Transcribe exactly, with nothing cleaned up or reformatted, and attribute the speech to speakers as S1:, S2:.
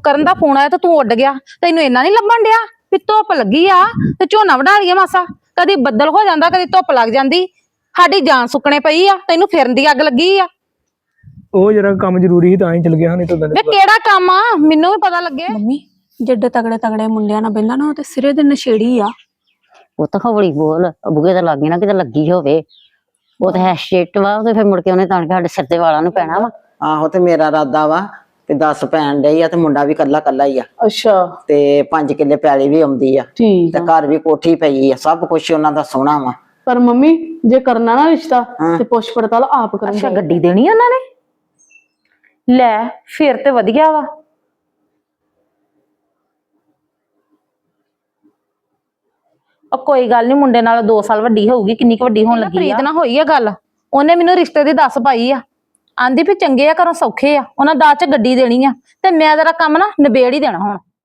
S1: ਕਰਨ ਦਾ ਫੋਨ ਆਇਆ ਤੇ ਤੂੰ ਉੱਡ ਗਿਆ। ਤੈਨੂੰ ਇੰਨਾ ਨਹੀਂ ਲੱਭਣ ਡਿਆ ਵੀ ਧੁੱਪ ਲੱਗੀ ਆ ਤੇ ਝੋਨਾ ਵਢਾ ਲਈਏ ਮਾਸਾ। ਕਦੀ ਬੱਦਲ ਹੋ ਜਾਂਦਾ, ਕਦੀ ਧੁੱਪ ਲੱਗ ਜਾਂਦੀ, ਸਾਡੀ ਜਾਨ ਸੁੱਕਣੇ ਪਈ ਆ, ਤੈਨੂੰ ਫਿਰਨ ਦੀ ਅੱਗ ਲੱਗੀ ਆ।
S2: ਉਹ ਜਰਾ ਕੰਮ ਜ਼ਰੂਰੀ ਸੀ ਤਾਂ ਹੀ ਚਲ ਗਿਆ। ਨਹੀਂ ਤਾਂ
S1: ਵੇ ਕਿਹੜਾ ਕੰਮ ਆ, ਮੈਨੂੰ ਵੀ ਪਤਾ ਲੱਗੇ।
S3: ਮੰਮੀ ਜਿੱਡੇ ਤਗੜੇ ਤਗੜੇ ਮੁੰਡਿਆਂ ਨਾਲ ਬਹਿੰਦਾ ਨਾ ਉਹ ਤੇ ਸਿਰੇ ਦੇ ਨਸ਼ੇੜੀ ਆ।
S4: ਉਹ ਤਾਂ ਹੌਲੀ ਬੋਲ, ਬੁਗੇ ਤਾਂ ਲੱਗੇ ਨਾ ਕਿਤੇ ਲੱਗੀ ਹੋਵੇ। ਉਹ ਤਾਂ ਹੈ ਸ਼ਿਟ ਵਾ, ਤੇ ਫਿਰ ਮੁੜ ਕੇ ਉਹਨੇ ਤਾਂ ਕੇ ਸਾਡੇ ਸਿਰ ਤੇ ਵਾਲਾਂ ਨੂੰ ਪੈਣਾ ਵਾ।
S5: ਆਹੋ ਤੇ ਮੇਰਾ ਇਰਾਦਾ ਵਾ ਤੇ ਦਸ ਪੈਣ ਡਈ ਆ ਤੇ ਮੁੰਡਾ ਵੀ ਕੱਲਾ ਕੱਲਾ ਹੀ ਆ।
S6: ਅੱਛਾ
S5: ਤੇ ਪੰਜ ਕਿੱਲੇ ਪੈਲੀ ਵੀ ਆਉਂਦੀ ਆ
S6: ਠੀਕ
S5: ਤੇ
S6: ਆ।
S5: ਘਰ ਵੀ ਕੋਠੀ ਪਈ ਆ, ਸਭ ਕੁਛ ਉਹਨਾਂ ਦਾ ਸੋਹਣਾ ਵਾ।
S6: ਪਰ ਮੰਮੀ ਜੇ ਕਰਨਾ ਨਾ ਰਿਸ਼ਤਾ ਤੇ ਪੁੱਛ ਪੜਤਾਲ ਆਪ ਕਰਨ
S1: ਅੱਛਾ ਗੱਡੀ ਦੇਣੀ ਉਹਨਾਂ ਨੇ? ਲੈ ਫਿਰ ਤੇ ਵਧੀਆ ਵਾ। ਉਹ ਕੋਈ ਗੱਲ ਨਹੀਂ, ਮੁੰਡੇ ਨਾਲ ਦੋ ਸਾਲ ਵੱਡੀ ਹੋਊਗੀ। ਕਿੰਨੀ ਕੁ ਵੱਡੀ ਹੋਣ ਲੱਗੀ ਆ? ਪ੍ਰੀਤ ਨਾਲ ਹੋਈ ਆ ਗੱਲ, ਉਹਨੇ ਮੈਨੂੰ ਰਿਸ਼ਤੇ ਦੀ ਦੱਸ ਪਾਈ ਆ। ਆਂਦੀ ਵੀ ਚੰਗੇ ਆ, ਘਰੋਂ ਸੌਖੇ ਆ, ਉਹਨਾਂ ਦਾਜ ਚ ਗੱਡੀ ਦੇਣੀ ਆ ਤੇ ਮੈਂ ਤੇਰਾ ਕੰਮ ਨਾ ਨਿਬੇੜ ਹੀ ਦੇਣਾ ਹੁਣ।